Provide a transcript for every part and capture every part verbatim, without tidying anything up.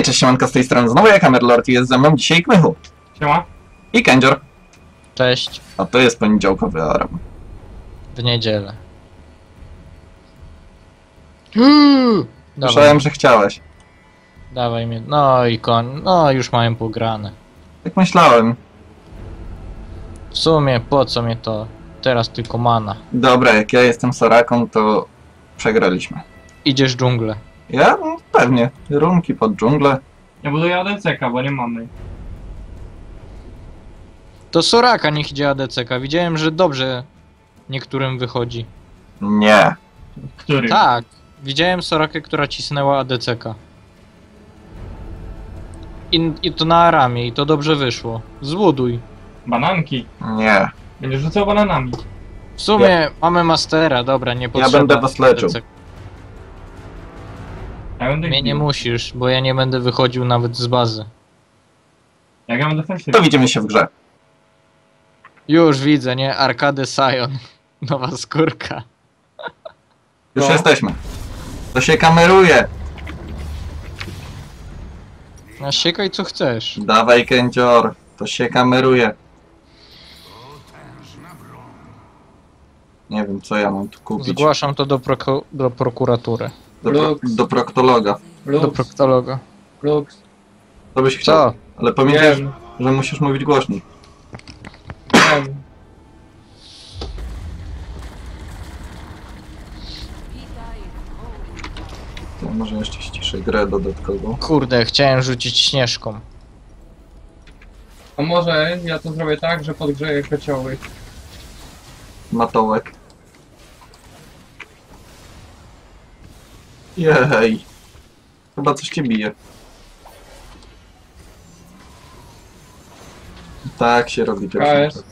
cześć, siemanko, z tej strony znowu ja, Kamerlord, i jest ze mną dzisiaj Kmychu. Siema. I Kędzior. Cześć. A to jest poniedziałkowy alarm. W niedzielę. Uuu, Słyszałem, że chciałeś. Dawaj mnie. No i koń. No już mają pograne. Tak myślałem. W sumie po co mnie to? Teraz tylko mana. Dobra, jak ja jestem Soraką, to przegraliśmy. Idziesz w dżunglę. Ja? No, pewnie. Runki pod dżunglę. Ja buduję A D C K, bo nie mamy. To Soraka niech idzie A D C K. Widziałem, że dobrze niektórym wychodzi. Nie. Który? Tak. Widziałem Sorakę, która cisnęła A D C K. I, I to na Aramie i to dobrze wyszło. Zbuduj. Bananki. Nie. Będziesz rzucał bananami. W sumie mamy Mastera, dobra, nie potrzeba. będę was leczył. A D C K. Ja będę Mnie nie bił. musisz, bo ja nie będę wychodził nawet z bazy. Jak ja będę To fałszywy. widzimy się w grze. Już widzę, nie? Arkady Sion. Nowa skórka. Już No. jesteśmy. To się kameruje. No siekaj co chcesz. Dawaj, Kędzior. To się kameruje. Nie wiem, co ja mam tu kupić. Zgłaszam to do, proko do prokuratury. Do, pro do proktologa. Do Lux, proktologa. Lux. To byś chciał. Co? Ale pamiętaj, Wiem, że musisz mówić głośniej. wiem. To może jeszcze ściszę grę dodatkowo. Kurde, chciałem rzucić śnieżką. A może ja to zrobię tak, że podgrzeję kocioły. Matołek. Jej. Chyba coś cię bije. Tak się robi A, też. jest.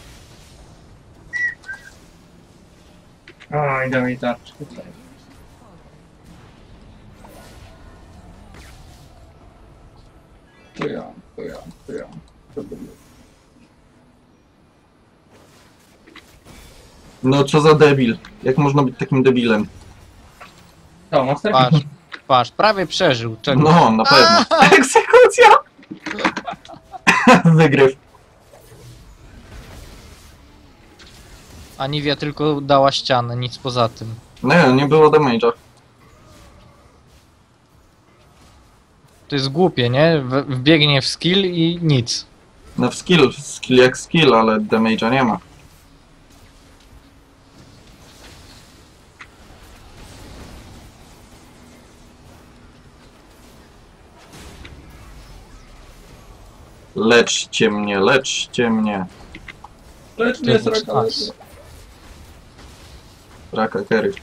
A, idę mi tarczkę. To ja, to ja, to ja. To będzie. No co za debil. Jak można być takim debilem? To, master? Patrz, patrz, prawie przeżył. Czego? No, na pewno. Egzekucja! Wygryw. Aniwia tylko dała ścianę, nic poza tym. Nie, nie było damage'a. To jest głupie, nie? W wbiegnie w skill i nic. No w skill, skill jak skill, ale damage'a nie ma. Leczcie mnie, leczcie mnie. Lecz To mnie, jest sraka, lecz as. mnie. Raka Kerry.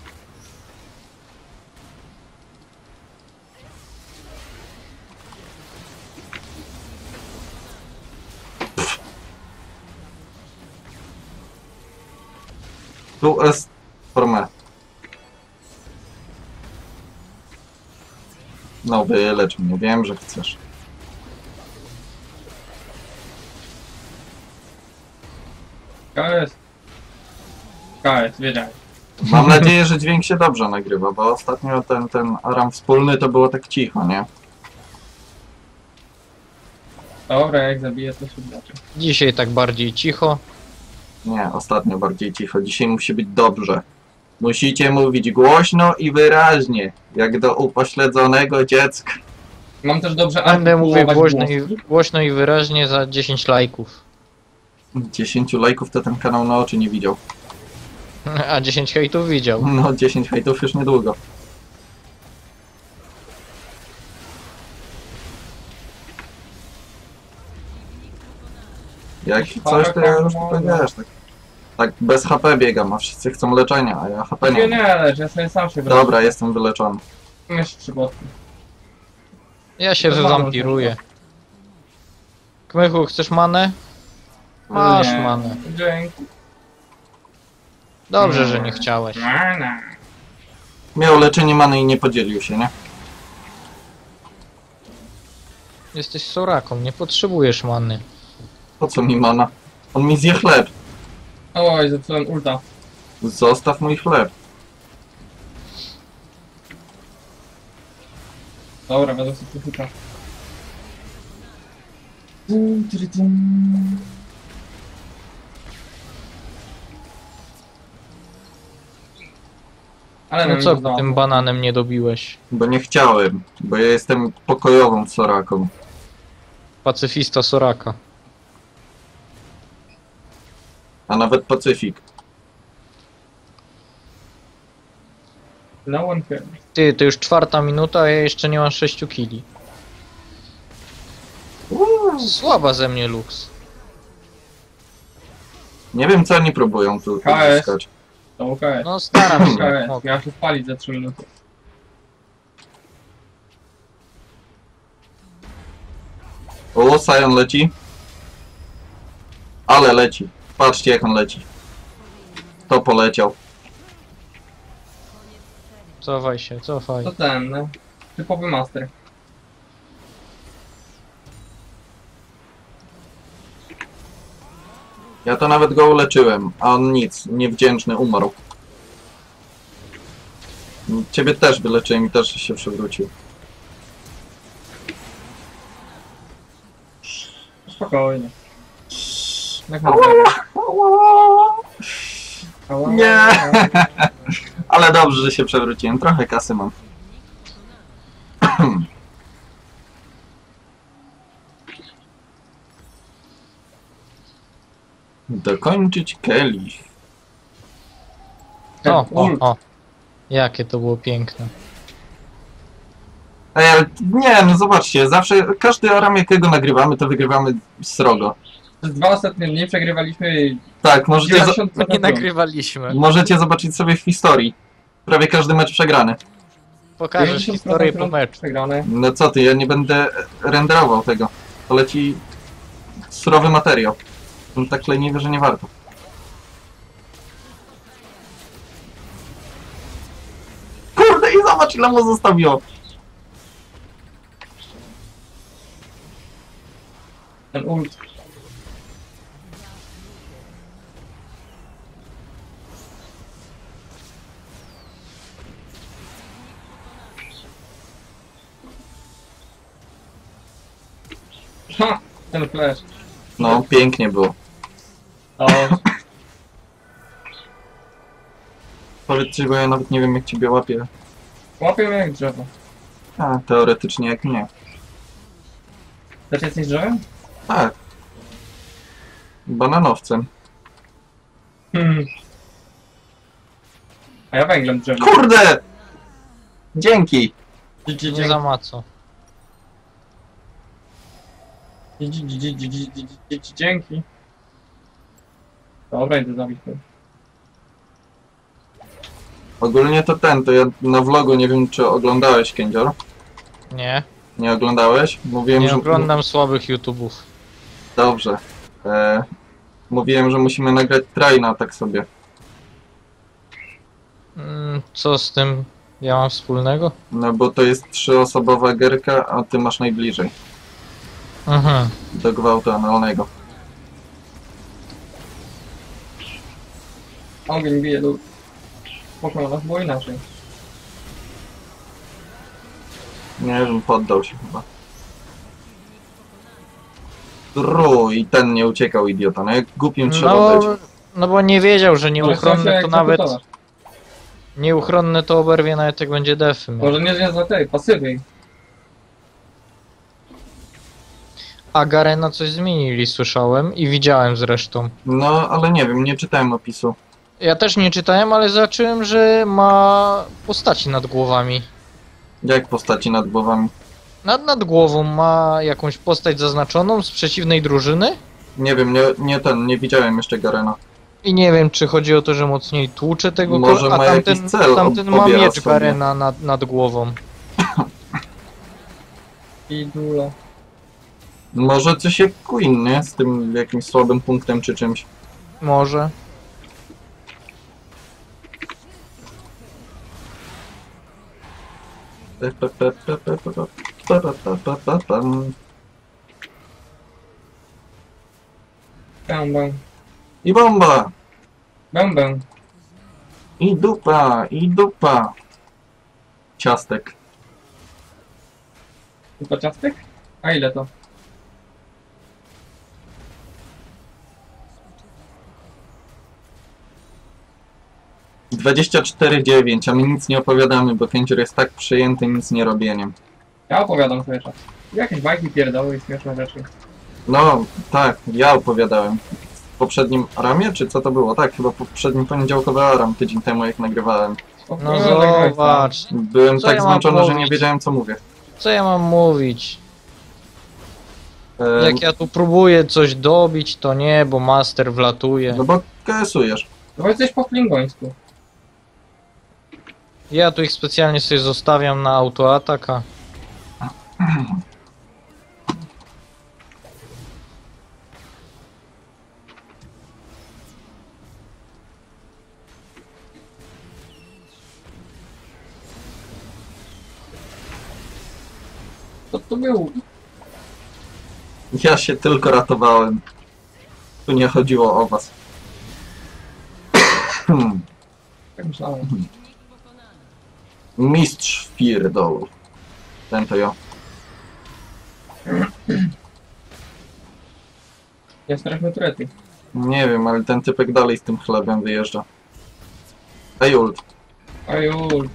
Tu jest formę. No wylecz mnie, wiem, że chcesz. K S. K S, wiedziałem. Mam nadzieję, że dźwięk się dobrze nagrywa, bo ostatnio ten, ten aram wspólny to było tak cicho, nie? Dobra, jak zabiję, to się zobaczy. Dzisiaj tak bardziej cicho. Nie, ostatnio bardziej cicho. Dzisiaj musi być dobrze. Musicie mówić głośno i wyraźnie, jak do upośledzonego dziecka. Mam też dobrze Będę mówił artykułować głośno i, głoski. głośno i wyraźnie za dziesięć lajków. dziesięciu lajków to ten kanał na oczy nie widział. A dziesięć hejtów widział. No, dziesięć hejtów już niedługo. Jak coś, to ja już tutaj wiesz, tak, tak bez H P biegam, a wszyscy chcą leczenia, a ja H P Nie, nie nie, mam. lecz, ja sobie sam się wracam. Dobra, jestem wyleczony. Jeszcze trzy botki. Ja się To wywampiruję. Kmychu, chcesz manę? Masz Nie. manę. Dzięki. Dobrze, że nie chciałeś. Na, na. Miał leczenie many i nie podzielił się, nie? Jesteś Soraką, nie potrzebujesz many. Po co mi mana? On mi zje chleb. Oj, zepsułem ulta. Zostaw mój chleb. Dobra, będę sobie Dum, tyry, dum. Ale No nam co nie udało. tym bananem nie dobiłeś? Bo nie chciałem, bo ja jestem pokojową Soraką. Pacyfista Soraka. A nawet Pacyfik. No one cares. Ty, to już czwarta minuta, a ja jeszcze nie mam sześciu kili. Słaba ze mnie Lux. Nie wiem co oni próbują tu K S. uzyskać. To K S. No staram się. K S. Mogę. Miałem się spalić za trzy minuty. O, Sion leci. Ale leci. Patrzcie jak on leci. To poleciał. Cofaj się, cofaj. To ten, no. Typowy master. Ja to nawet go uleczyłem, a on nic. Niewdzięczny, umarł. Ciebie też wyleczyłem i też się przewrócił. Spokojnie. Jak mam tego? Ała. Nie. Ale dobrze, że się przewróciłem. Trochę kasy mam. Dokończyć Kelly. O, o, Ult. o. Jakie to było piękne. Ej, ale nie, no zobaczcie, zawsze, każdy aram jakiego nagrywamy, to wygrywamy srogo. Przez dwa ostatnie dni przegrywaliśmy Tak, możecie, zo dziewięćdziesiąt My nie procent. nagrywaliśmy. możecie zobaczyć sobie w historii. Prawie każdy mecz przegrany. Pokażesz dziewięćdziesiąt historię po procent meczu. Przegrane. No co ty, ja nie będę renderował tego. To leci surowy materiał. No tak leniwy, że nie warto. Kurde i zobacz ile mu zostawiło. Ten ult. Ha! Ten flash. No, pięknie było. O, Powiedz ci, bo ja nawet nie wiem jak ciebie łapię. łapię mnie jak drzewo. A, teoretycznie jak nie. Też jesteś drzewem? Tak. Bananowcem. Hmm. A ja węglem drzewem. Kurde! Dzięki! Dzie- dzie- Nie dzie- za ma co. dzie- dzie- dzie- dzie- dzie- dzie- dzie- dzie- dzie- Dzięki. Dobra, idę zabić go. Ogólnie to ten, to ja na vlogu nie wiem czy oglądałeś Kędzior? Nie, Nie oglądałeś? Mówiłem, nie że... oglądam słabych YouTube'ów. Dobrze. E, mówiłem, że musimy nagrać traina tak sobie. Mm, co z tym ja mam wspólnego? No bo to jest trzyosobowa gierka, a ty masz najbliżej Mhm. do gwałtu analnego. Ogień bije lód. Spoko, nas było inaczej. Nie wiem, poddał się chyba. Dru, i ten nie uciekał, idiota. No jak głupim trzeba No, być. no bo nie wiedział, że Ale nieuchronne chciał to się nawet... egzekutować. Nieuchronne to oberwie nawet jak będzie defy. miał. Może nie związać za tej, pasywy. A Garena coś zmienili, słyszałem i widziałem zresztą. No, ale nie wiem, nie czytałem opisu. Ja też nie czytałem, ale zobaczyłem, że ma postaci nad głowami. Jak postaci nad głowami? Nad, nad głową ma jakąś postać zaznaczoną z przeciwnej drużyny Nie wiem, nie, nie ten, nie widziałem jeszcze Garena. i nie wiem, czy chodzi o to, że mocniej tłucze tego Może ko- a ma tamten, jakiś cel, tamten ob- ma obiera miecz sobie. Garena nad, nad głową. I dula. Może coś jak Queen, nie? Z tym jakimś słabym punktem czy czymś. Może. Pe, pe, pe, pe, pe, pe, pe, pe, pe, pe, pe, pem. Bę, bę. I bomba! Bę, bę. I dupa! I dupa! Ciastek. Tylko ciastek? A ile to? dwadzieścia cztery dziewięć, a my nic nie opowiadamy, bo Kędzior jest tak przejęty nic nie robieniem. Ja opowiadam sobie czas. Jakieś bajki pierdoły i śmieszne rzeczy. No, tak, ja opowiadałem. W poprzednim Aramie, czy co to było? Tak, chyba poprzednim poniedziałkowy Aram, tydzień temu jak nagrywałem. No Opowiadaj, zobacz. Byłem Co tak ja mam zmęczony, że nie mówić? wiedziałem co mówię. Co ja mam mówić? E, Jak ja tu próbuję coś dobić, to nie, bo master wlatuje. No bo K S ujesz. No jesteś po klingońsku. Ja tu ich specjalnie sobie zostawiam na autoataka. Co to było? Ja się tylko ratowałem. Tu nie chodziło o was. Hmm. Tak myślałem. Mistrz pierdolu. Ten to ja. Ja straszmy turety. Nie wiem, ale ten typek dalej z tym chlebem wyjeżdża. Ej ult. Ojul.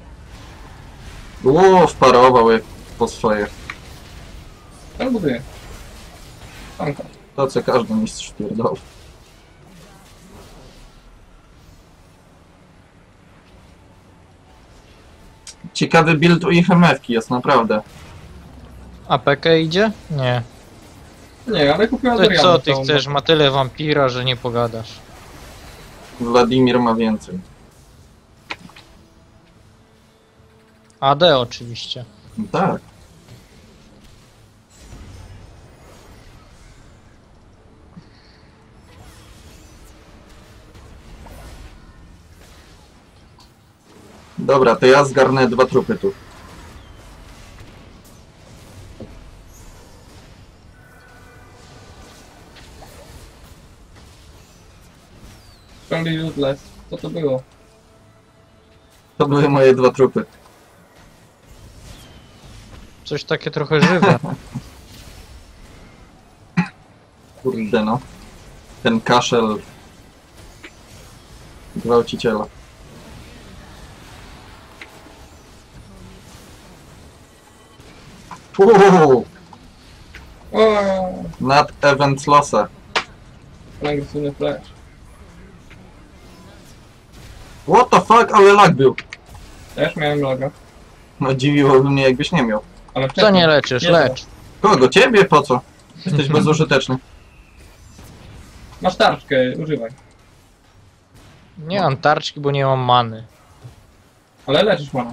Ło, wparował jak po swoje. Ten buduje. Tanka. To co każdy mistrz pierdol. Ciekawy build u ich M F-ki jest, naprawdę. A P K idzie? Nie. Nie, ale kupiła To Doriana. co ty całą. chcesz? Ma tyle wampira, że nie pogadasz. Wladimir ma więcej. A D oczywiście. Tak. Dobra, to ja zgarnę dwa trupy tu. Strongly useless. Co to było? To były moje dwa trupy. Coś takie trochę żywe. Kurde no. Ten kaszel gwałciciela. Uuu, O, nad event losa. agresywny flash. What the fuck, ale lag był. Też miałem loga. No dziwiłoby mnie jakbyś nie miał. Ale Co wcześniej. nie leczysz? Nie, Lecz. Kogo? Ciebie? Po co? Jesteś bezużyteczny. Masz tarczkę, używaj. Nie mam tarczki, bo nie mam many. Ale leczysz mana.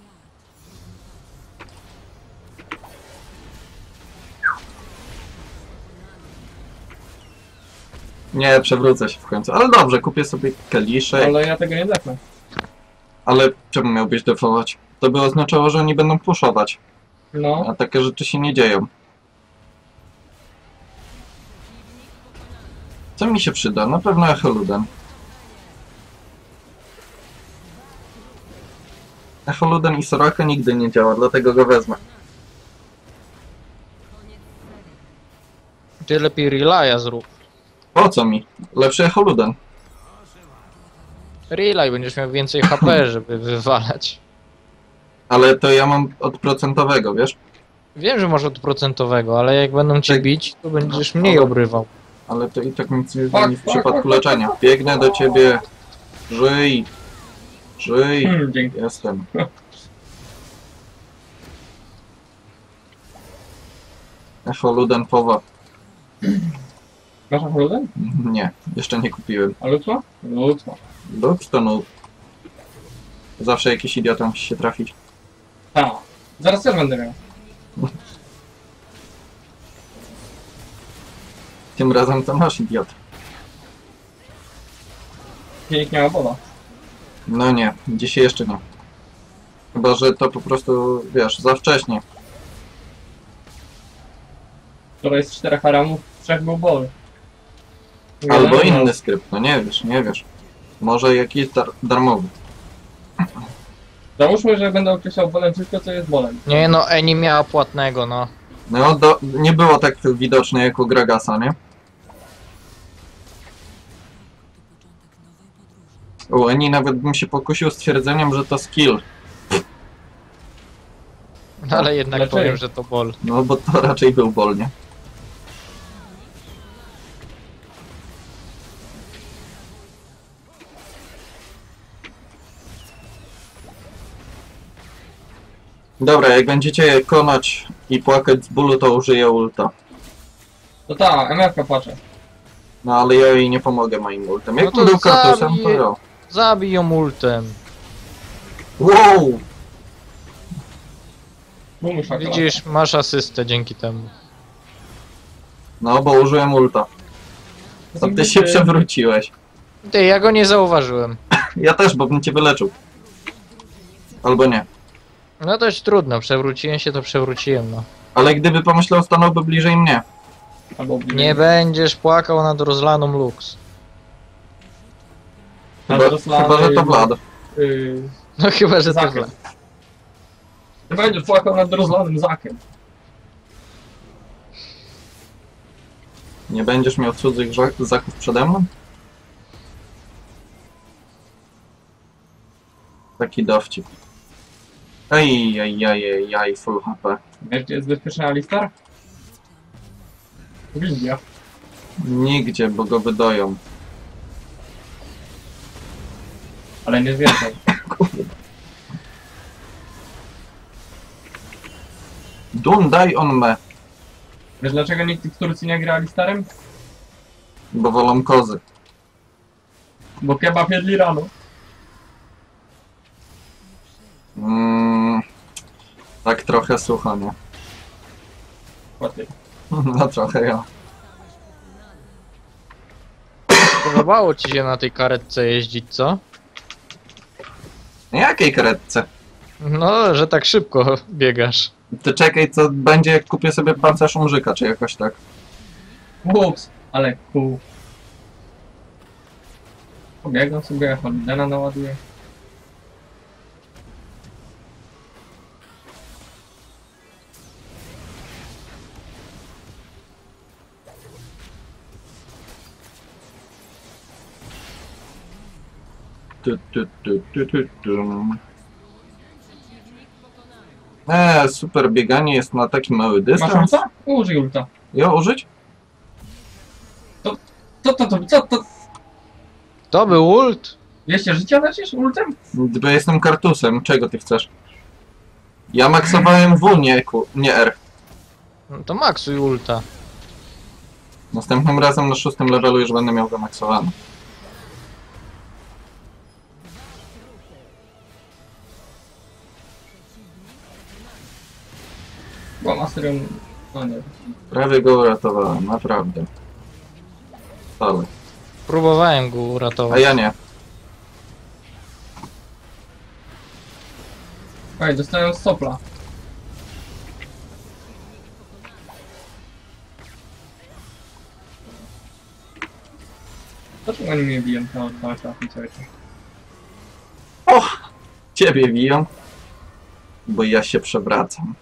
Nie, przewrócę się w końcu. Ale dobrze, kupię sobie kaliszek. Ale ja tego nie defnę. Ale czemu miałbyś defować? To by oznaczało, że oni będą puszować. No. A takie rzeczy się nie dzieją. Co mi się przyda? Na pewno Echoluden. Echoluden i Soraka nigdy nie działa, dlatego go wezmę. Ty lepiej relaya zrób. Po co mi? Lepszy Echoluden. Relay, będziesz miał więcej H P, żeby wywalać. Ale to ja mam od procentowego, wiesz? Wiem, że masz od procentowego, ale jak będą cię Tak. bić, to będziesz mniej Ale- obrywał. Ale to i tak nic nie Fuck, zmieni w fuck, przypadku fuck, leczenia. Biegnę do ciebie. Żyj. Żyj. Hmm, dzięki. Jestem. Echoluden Powa. Masz Afrodem? Nie, jeszcze nie kupiłem. A Lutma? Lutma. Lux to no. Zawsze jakiś idiota musi się trafić. A, zaraz też będę miał. Tym razem to masz idiot. Nikt nie ma bola. No nie, dzisiaj jeszcze nie. Chyba, że to po prostu, wiesz, za wcześnie. Wczoraj z czterech haramów, trzech był bol. Albo Jeden inny skrypt, no nie wiesz, nie wiesz. Może jakiś dar darmowy. Załóżmy, że będę określał bolem wszystko, co jest bolem. Nie no, Eni miała płatnego, no. No, do, nie było tak widoczne jak u Gragasa, nie? O, Eni nawet bym się pokusił stwierdzeniem, że to skill. No, ale jednak Dlaczego? powiem, że to bol. No bo to raczej był bol, nie? Dobra, jak będziecie je konać i płakać z bólu, to użyję ulta. To ta, M F K płacze. No ale ja jej nie pomogę moim ultem. Jak No to no był kartusem, to zabij- ja. Zabij ją ultem. Wow! Bum, szakala. Widzisz, masz asystę dzięki temu. No bo użyłem ulta. To ty się przewróciłeś. Ty, ja go nie zauważyłem. Ja też, bo bym cię wyleczył. Albo nie. No dość trudno, przewróciłem się, to przewróciłem, no. Ale gdyby pomyślał, stanąłby bliżej mnie. Albo bliżej. Nie będziesz płakał nad rozlaną Lux. Chyba, chyba że to Vlad. Yy, No chyba, że tak. Zakiem. Ty będziesz płakał nad rozlanym zakiem. Nie będziesz miał cudzych ża- zaków przede mną? Taki dowcip. Ej, ej, ej, ej, ej, full H P. Wiesz, gdzie jest bezpieczny Alistar? W Indiach. Nigdzie, bo go wydoją. Ale nie zwiedzą. Dun, daj on me, Wiesz dlaczego nikt w Turcji nie gra Alistarem? bo wolą kozy. Bo kebab jedli rano. Mm, tak trochę sucho, nie? Ładnie. No trochę ja. Podobało ci się na tej karetce jeździć, co? Jakiej karetce? No, że tak szybko biegasz. Ty czekaj, co będzie, jak kupię sobie pancerz umrzyka, czy jakoś tak. Ups, ale cool. Pobiegam sobie, Holidena naładuję. Tu, tu, tu, tu, tu, tu. Eee, super bieganie jest na taki mały Masz dystans. ulta? Użyj ulta. Ja użyć? Co to, to, co to? To był ult? dwieście życia lecisz ultem? Bo jestem kartusem, czego ty chcesz? Ja maksowałem W, nie, Q, nie R. No to maksuj ulta. Następnym razem na szóstym levelu już będę miał zamaksowane. Bo Masterion... No nie. Prawie go uratowałem, naprawdę. Ale. Próbowałem go A uratować. ja nie. Ej, dostałem sopla. Dlaczego oni mnie biją na dwa trafi cały czas? O! Ciebie biją. Bo ja się przewracam.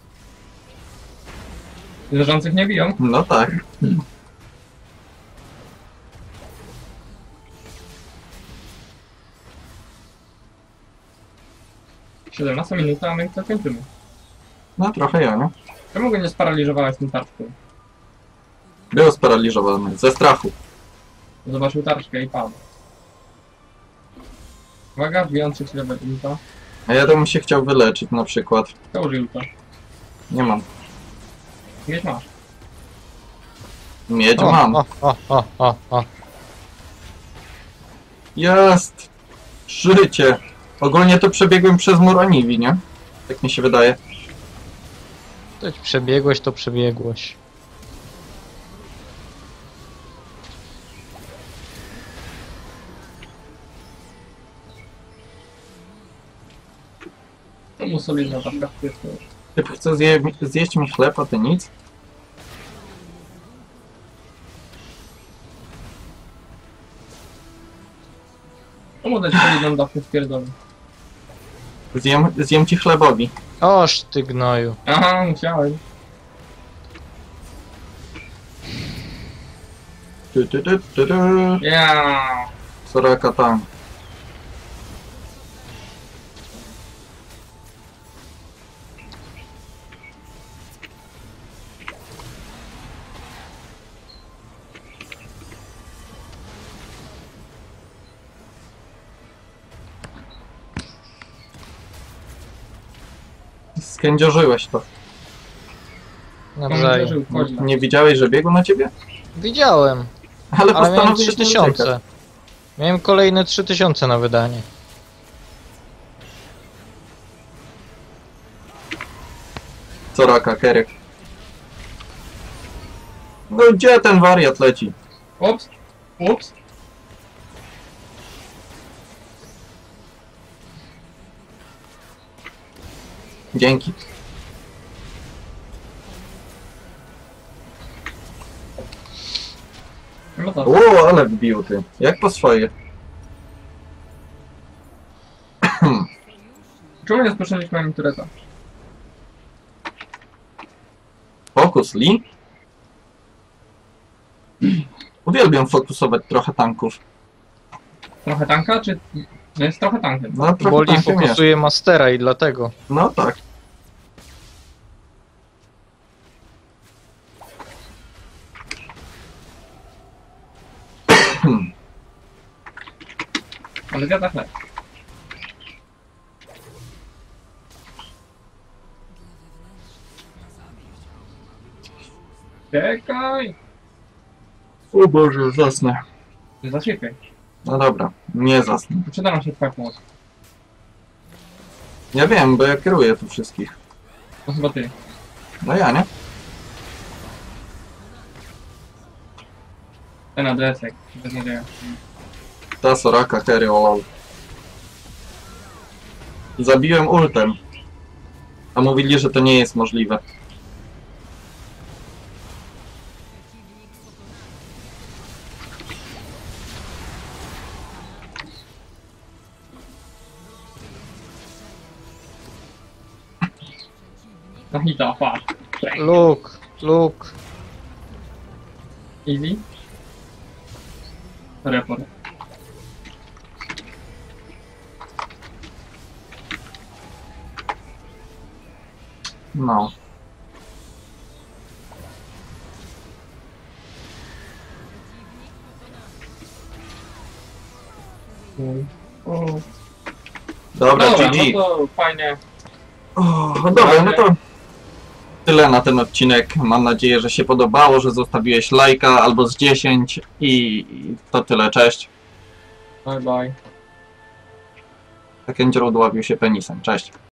Leżących nie biją? No tak. siedemnasta minuta, a my to kończymy. No trochę ja, nie? Czemu go nie sparaliżowałeś tym tarczką? Był sparaliżowany. Ze strachu. Zobaczył tarczkę i padł. Uwaga, wbijący się level ulta. A ja to bym się chciał wyleczyć na przykład. To użyj ulta. Nie mam. Mieć masz. Miedź O, mam. o, o, o, o, o. Jest! Życie! Ogólnie to przebiegłem przez mur Aniwi, nie? Tak mi się wydaje. To ci przebiegłeś, to przebiegłeś. To mu solidna tarczka w pierwszym. Typ chce zje zjeść mi chleb, a ty nic? To mu dać solidną dawkę w pierdolę. Zjem, zjem ci chlebowi. Oż ty gnoju. Aha, musiałem. Tu, tu, tu, tu, tu. Ja. Soraka tam. skędziorzyłeś to. Nawzajem. Komentarzył, wchodzi. Nie widziałeś, że biegł na ciebie? Widziałem, Ale ale miałem postanowiłeś trzy nie tysiące. uciekać. Miałem kolejne trzy tysiące na wydanie. Co raka, Kerek? No gdzie ten wariat leci? Ups, ups. Dzięki. No to. O, ale wbił ty. Jak po swoje. Czemu nie spuszczaliśmy ani tureta? Fokus, Lee? Uwielbiam fokusować trochę tanków. Trochę tanka, czy... No jest trochę tankiem. No trochę Boli tankiem jest. fokusuje Mastera i dlatego. No tak. Ale zjada chleb. Czekaj! O Boże, zasnę. Zaczekaj. No dobra, nie zasnę. Przyda nam się twoja pomoc. Ja wiem, bo ja kieruję tu wszystkich. To chyba ty. No ja, nie? Ten adresek. Bez nadzieja. Ta Soraka, Kerry, olol. Zabiłem ultem. A mówili, że to nie jest możliwe. Na hita, pa. Luke, Luke. Easy. Report. No. O. Dobra, Dobra, G G. no to fajnie. O, dobra, no to tyle na ten odcinek. Mam nadzieję, że się podobało, że zostawiłeś lajka albo z dziesięć i to tyle, cześć. Bye bye. Kędzior udławił się penisem, cześć.